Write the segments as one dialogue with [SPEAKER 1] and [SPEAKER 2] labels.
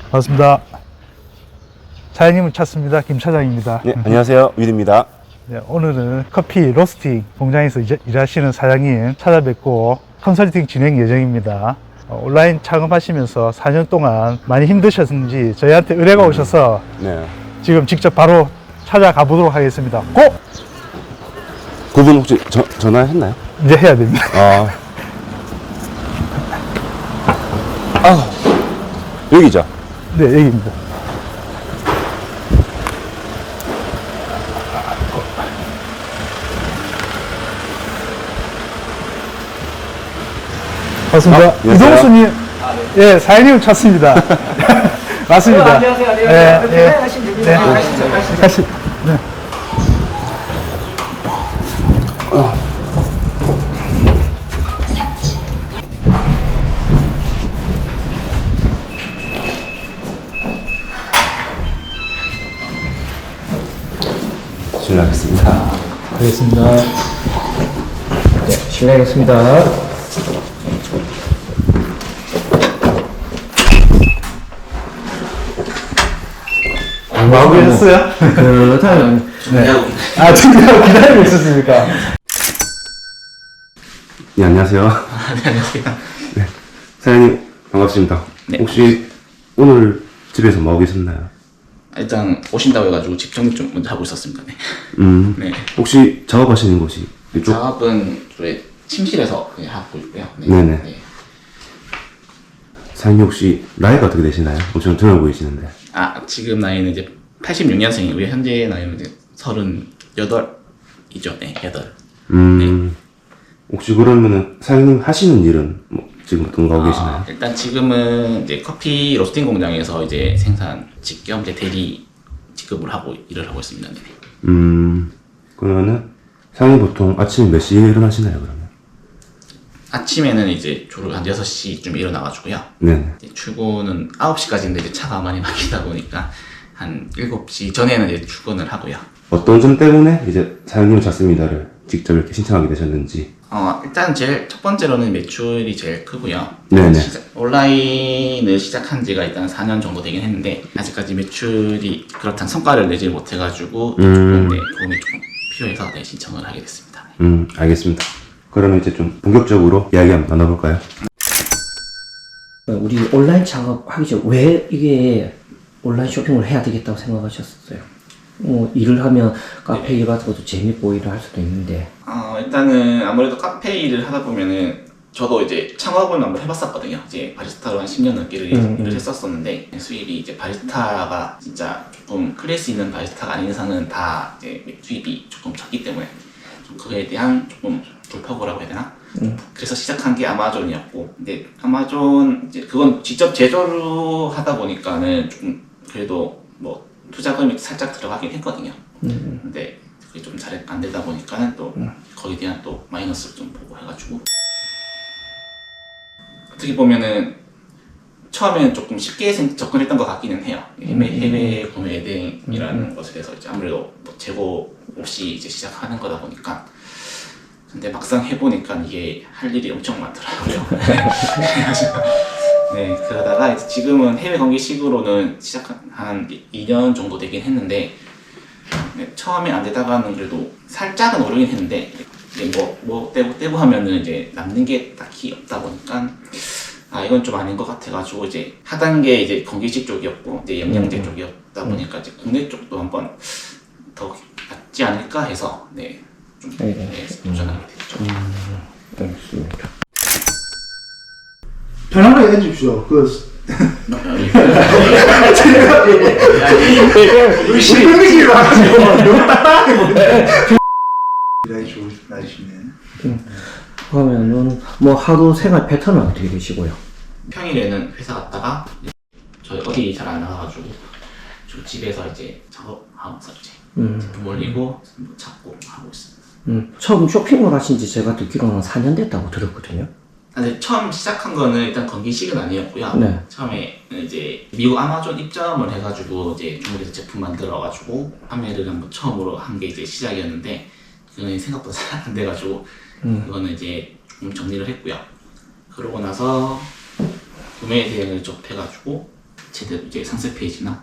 [SPEAKER 1] 반갑습니다. 사장님을 찾습니다. 김 차장입니다.
[SPEAKER 2] 네, 안녕하세요. 윌입니다.
[SPEAKER 1] 네, 오늘은 커피 로스팅 공장에서 일하시는 사장님 찾아뵙고 컨설팅 진행 예정입니다. 온라인 창업하시면서 4년 동안 많이 힘드셨는지 저희한테 의뢰가 오셔서
[SPEAKER 2] 네.
[SPEAKER 1] 지금 직접 바로 찾아가 보도록 하겠습니다. 고!
[SPEAKER 2] 그분 혹시 전화했나요?
[SPEAKER 1] 이제 해야 됩니다.
[SPEAKER 2] 여기죠?
[SPEAKER 1] 네, 여기입니다. 반갑습니다.
[SPEAKER 2] 안녕하세요.
[SPEAKER 1] 이동수님, 예, 사장님을 찾습니다. 맞습니다.
[SPEAKER 3] 안녕하세요.
[SPEAKER 1] 예, 예.
[SPEAKER 3] 하시면 됩니다.
[SPEAKER 1] 네.
[SPEAKER 3] 가시죠.
[SPEAKER 1] 다시, 네.
[SPEAKER 2] 실례하겠습니다.
[SPEAKER 1] 알겠습니다.
[SPEAKER 3] 네, 실례하겠습니다.
[SPEAKER 1] 마음에 했어요?
[SPEAKER 3] 그렇다면
[SPEAKER 1] 네. 아, 지금 기다리고 있었습니까?
[SPEAKER 2] 네, 안녕하세요.
[SPEAKER 3] 안녕하세요.
[SPEAKER 2] 네. 사장님, 반갑습니다.
[SPEAKER 3] 네.
[SPEAKER 2] 혹시 오늘 집에서 뭐 하고 계셨나요?
[SPEAKER 3] 일단 오신다고 해가지고 집 정리 좀 먼저 하고 있었습니다. 네. 네.
[SPEAKER 2] 혹시 작업하시는 곳이 이쪽?
[SPEAKER 3] 작업은 저희 침실에서 그냥 하고 있고요. 네.
[SPEAKER 2] 네네.
[SPEAKER 3] 네.
[SPEAKER 2] 사장님 혹시 나이가 어떻게 되시나요? 엄청 젊어 보이시는데.
[SPEAKER 3] 지금 나이는 이제 86년생이고요. 현재 나이는 이제 38이죠. 네, 8.
[SPEAKER 2] 혹시 그러면은 사장님 하시는 일은 뭐 지금 어떤 거 하고 계시나요?
[SPEAKER 3] 일단 지금은 이제 커피 로스팅 공장에서 이제 생산 직겸 이제 대리 직급을 하고 일을 하고 있습니다. 네.
[SPEAKER 2] 그러면은 사장님 보통 아침에 몇 시에 일어나시나요, 그러면?
[SPEAKER 3] 아침에는 이제 주로 한 6시쯤 일어나가지고요.
[SPEAKER 2] 네네.
[SPEAKER 3] 이제 출근은 9시까지인데 이제 차가 많이 막히다 보니까 한 7시 전에는 이제 출근을 하고요.
[SPEAKER 2] 어떤 점 때문에 이제 사장님을 찾습니다를 직접 이렇게 신청하게 되셨는지.
[SPEAKER 3] 일단 제일 첫 번째로는 매출이 제일 크고요.
[SPEAKER 2] 네네.
[SPEAKER 3] 온라인을 시작한 지가 일단 4년 정도 되긴 했는데 아직까지 매출이 그렇다는 성과를 내지 못해가지고 조금 네, 도움이 조금 필요해서 네, 신청을 하게 됐습니다.
[SPEAKER 2] 알겠습니다. 그러면 이제 좀 본격적으로 이야기 한번 나눠볼까요?
[SPEAKER 4] 우리 온라인 창업하기 전에 왜 이게 온라인 쇼핑을 해야 되겠다고 생각하셨어요? 일을 하면 카페 일 같은 것도 재밌고 일을 할 수도 있는데.
[SPEAKER 3] 일단은 아무래도 카페 일을 하다 보면은 저도 이제 창업을 한번 해봤었거든요. 이제 바리스타로 한 10년 넘게 일을 했었었는데 수입이 이제 바리스타가 진짜 조금 클래스 있는 바리스타가 아닌 이상은 다 이제 수입이 조금 적기 때문에 좀 그거에 대한 조금 불평이라고 해야 되나? 그래서 시작한 게 아마존이었고, 근데 아마존 이제 그건 직접 제조를 하다 보니까는 조금 그래도 뭐 투자금이 살짝 들어가긴 했거든요. 근데 그게 좀 잘 안 되다 보니까는 또 거기에 대한 또 마이너스를 좀 보고 해가지고 어떻게 보면은 처음에는 조금 쉽게 접근했던 것 같기는 해요. 해외 구매 대행이라는 것에 대해서 이제 아무래도 뭐 재고 없이 이제 시작하는 거다 보니까. 근데 막상 해보니까 이게 할 일이 엄청 많더라고요. 네, 그러다가 이제 지금은 해외 관계식으로는 시작한 한 2년 정도 되긴 했는데, 네, 처음에 안 되다가는 그래도 살짝은 오르긴 했는데, 이제 뭐 떼고 하면은 이제 남는 게 딱히 없다 보니까, 이건 좀 아닌 것 같아가지고, 이제 하단계 이제 건기식 쪽이었고, 이제 영양제 쪽이었다 보니까 이제 국내 쪽도 한번 더 낫지 않을까 해서, 네, 좀 도전하게 됐죠.
[SPEAKER 4] 알겠습니다.
[SPEAKER 1] 편안하게 해주십시오. 우리 신분이기로 하죠. 너무 딱딱하게 보는데. 기다리 좋은 날씨네.
[SPEAKER 4] 그러면은 뭐 하루 생활 패턴은 어떻게 되시고요?
[SPEAKER 3] 평일에는 회사 갔다가 저희 어디 잘 안 나가가지고 저 집에서 이제 작업하면서 이제 제품 올리고 뭐 찾고 하고 있습니다.
[SPEAKER 4] 처음 쇼핑을 하신 지 제가 듣기로는 4년 됐다고 들었거든요.
[SPEAKER 3] 근데 처음 시작한 거는 일단 건기식은 아니었고요.
[SPEAKER 4] 네.
[SPEAKER 3] 처음에 이제 미국 아마존 입점을 해가지고 이제 중국에서 제품 만들어가지고 판매를 한번 처음으로 한 게 이제 시작이었는데 그건 생각보다 잘 안 돼가지고 그거는 이제 조금 정리를 했고요. 그러고 나서 구매 대행을 접해가지고 제대로 이제 상세 페이지나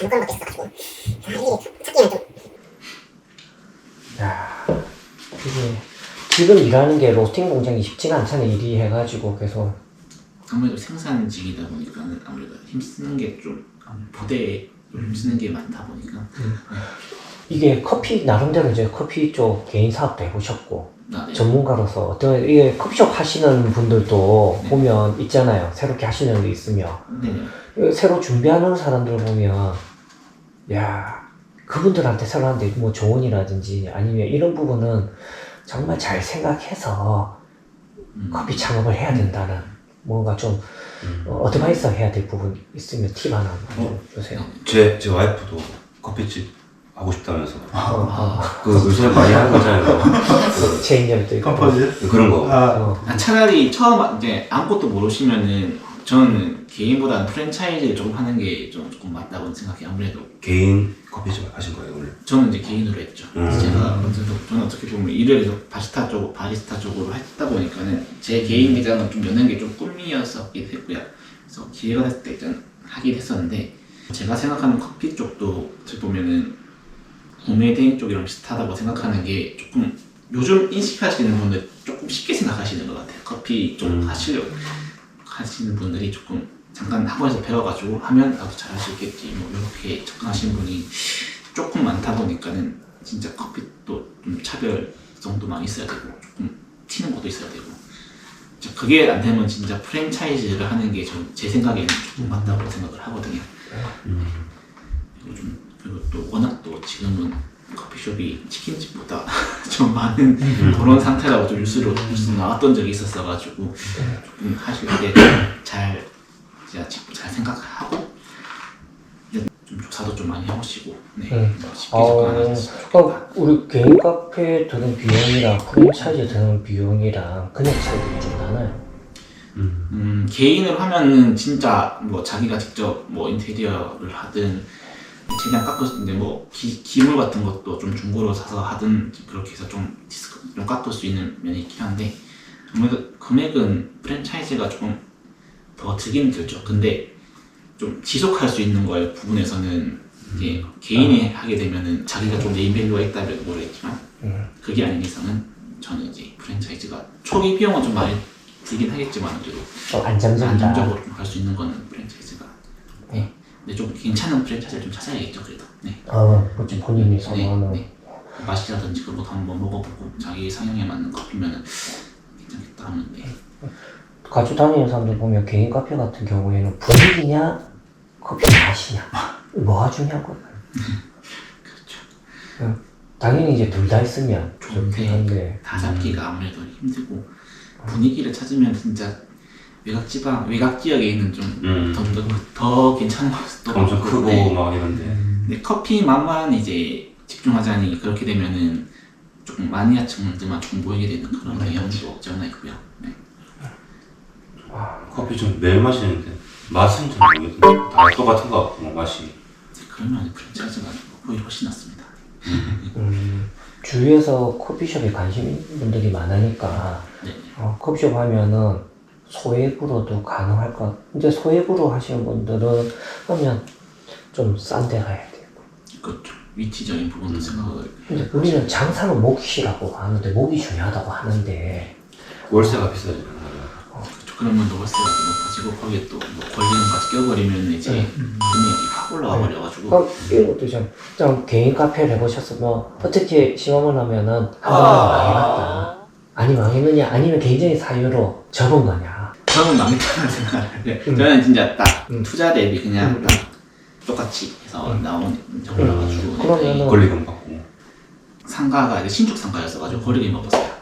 [SPEAKER 4] 야, 이게 지금 일하는 게 로스팅 공장이 쉽지가 않잖아요. 일이 해가지고 계속.
[SPEAKER 3] 아무래도 생산직이다 보니까는 아무래도 힘쓰는 게 좀 부대에 좀 힘쓰는 게 많다 보니까
[SPEAKER 4] 이게 커피 나름대로 이제 커피 쪽 개인 사업도 해보셨고
[SPEAKER 3] 네.
[SPEAKER 4] 전문가로서 어떤 이게 커피숍 하시는 분들도 보면 있잖아요. 새롭게 하시는 분들 있으면
[SPEAKER 3] 네.
[SPEAKER 4] 새로 준비하는 사람들 보면 야 그분들한테 새로 하는데 뭐 조언이라든지 아니면 이런 부분은 정말 잘 생각해서 커피 창업을 해야 된다는 뭔가 좀 어드바이스 해야 될 부분 있으면 팁 하나 좀 주세요.
[SPEAKER 2] 제 와이프도 커피집 하고 싶다면서. 그 요새 많이 하는 거잖아요.
[SPEAKER 4] 체인점도 있고
[SPEAKER 2] 그런 거.
[SPEAKER 3] 차라리 처음 이제 아무것도 모르시면은 저는 개인보다는 프랜차이즈를 좀 하는 게 조금 맞다고 생각해요. 아무래도
[SPEAKER 2] 개인 커피집 하신 거예요, 원래?
[SPEAKER 3] 저는 이제 개인으로 했죠. 저는 어떻게 보면 일을 계속 바리스타 쪽으로 했다 보니까는 제 개인 매장은 좀 여는 게 좀 꿈이었었기도 했고요. 그래서 기회가 됐을 때 일단 하긴 했었는데 제가 생각하는 커피 쪽도 어떻게 보면은 구매 대행 쪽이랑 비슷하다고 생각하는 게 조금 요즘 인식하시는 분들 조금 쉽게 생각하시는 것 같아요. 커피 쪽 하시는 분들이 조금 잠깐 학원에서 배워가지고 하면 나도 잘할 수 있겠지 뭐 이렇게 접근하시는 분이 조금 많다 보니까는 진짜 커피도 좀 차별성도 많이 있어야 되고 조금 튀는 것도 있어야 되고 그게 안 되면 진짜 프랜차이즈를 하는 게 제 생각에는 조금 맞다고 생각을 하거든요. 그리고 또 워낙 또 지금은 커피숍이 치킨집보다 좀 많은 그런 상태라고 좀 뉴스 나왔던 적이 있었어가지고 조금 하실 때 잘 생각하고 좀 조사도 좀 많이 해보시고 쉽게 접근하셨으면 좋겠다.
[SPEAKER 4] 우리 개인 카페 드는 비용이랑 프랜차이즈 드는 비용이랑 그냥 차이가 좀 나나요?
[SPEAKER 3] 개인으로 하면은 진짜 뭐 자기가 직접 뭐 인테리어를 하든 최대한 깎을 수 있는데 뭐 기물 같은 것도 좀 중고로 사서 하든 그렇게 해서 좀 깎을 수 있는 면이 있긴 한데 아무래도 금액은 프랜차이즈가 조금 더 들긴 들죠. 근데 좀 지속할 수 있는 거에 부분에서는 이제 개인이 하게 되면은 자기가 좀 네임밸류가 있다면 모르겠지만 그게 아닌 이상은 저는 이제 프랜차이즈가 초기 비용은 좀 많이 들긴 하겠지만 그래도 안정적으로 좀 할 수 있는 거는 프랜차이즈가 근데 좀 괜찮은 프랜차이즈를 좀 찾아야겠죠. 그래도
[SPEAKER 4] 그렇지 본인이 선호하는
[SPEAKER 3] 맛이라든지 그런 것도 한번 먹어보고 자기 성향에 맞는 커피면은 괜찮겠다 하는데
[SPEAKER 4] 같이 다니는 사람들 보면 개인 카페 같은 경우에는 분위기냐 커피 맛이냐 뭐가 중요하고
[SPEAKER 3] 그렇죠.
[SPEAKER 4] 당연히 이제 둘 다 있으면 좋긴 한데
[SPEAKER 3] 다 잡기가 아무래도 힘들고 분위기를 찾으면 진짜 외곽 지역에 있는 좀 더 괜찮은 것도
[SPEAKER 2] 엄청 크고 막 이런데.
[SPEAKER 3] 근데 커피 맛만 이제 집중하자니 그렇게 되면은 조금 마니아층들만 좀 보이게 되는 그런 경향도 없지 않아 있고요.
[SPEAKER 2] 커피 좀 매일 마시는데 맛은 좀 모르겠는데 다 똑같은 것 같고 맛이.
[SPEAKER 3] 그러면 프랜차이즈가 오히려 훨씬 낫습니다.
[SPEAKER 4] 주위에서 커피숍에 관심 있는 분들이 많으니까 커피숍 하면은 소액으로도 가능할 것 같아요. 근데 소액으로 하시는 분들은 그러면 좀 싼 데 가야 돼요.
[SPEAKER 3] 그렇죠. 위치적인 부분도 생각을
[SPEAKER 4] 근데 우리는 장사는 몫이라고 하는데 목이 중요하다고 하는데
[SPEAKER 2] 월세가 비싸지.
[SPEAKER 3] 그렇죠. 그러면 또 월세가 또 높아지고 거기에 또 뭐 권리금까지 껴버리면 이제 금액이 확 올라가 버려가지고
[SPEAKER 4] 이런 것도 좀 개인 카페를 해보셨으면 어떻게 시험을 하면은 한 번은 망해봤다 아니 망했느냐 아니면 개인적인 사유로 접은 거냐
[SPEAKER 3] 저는 망했다는 생각을 해요. 저는 진짜 딱 투자 대비 그냥 딱 똑같이 해서 나온 정보라가지고
[SPEAKER 4] 그러면은
[SPEAKER 2] 권리금 받고.
[SPEAKER 3] 상가가 이제 신축 상가였어가지고 권리금 없었어요.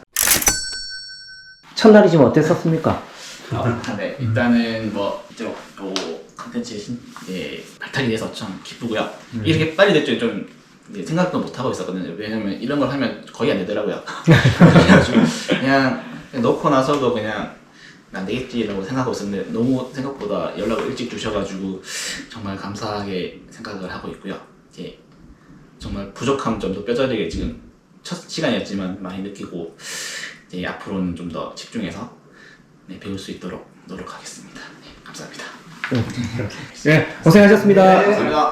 [SPEAKER 4] 첫날이 좀 어땠었습니까?
[SPEAKER 3] 네, 일단은 뭐 이제 요 컨텐츠에 발탁이 돼서 참 기쁘고요. 이렇게 빨리 될 줄 좀 생각도 못 하고 있었거든요. 왜냐면 이런 걸 하면 거의 안 되더라고요. 그래가지고 그냥 넣고 나서도 그냥 안 되겠지라고 생각하고 있었는데 너무 생각보다 연락을 일찍 주셔가지고 정말 감사하게 생각을 하고 있고요. 이제 정말 부족한 점도 뼈저리게 지금 첫 시간이었지만 많이 느끼고 이제 앞으로는 좀 더 집중해서 배울 수 있도록 노력하겠습니다. 감사합니다.
[SPEAKER 5] 네, 고생하셨습니다.
[SPEAKER 3] 감사합니다.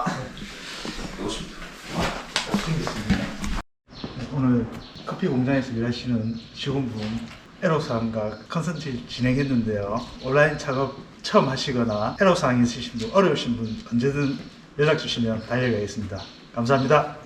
[SPEAKER 1] 오늘 커피 공장에서 일하시는 직원분 애로사항과 컨설팅 진행했는데요. 온라인 작업 처음 하시거나 애로사항이 있으신 분, 어려우신 분 언제든 연락 주시면 달려가겠습니다. 감사합니다.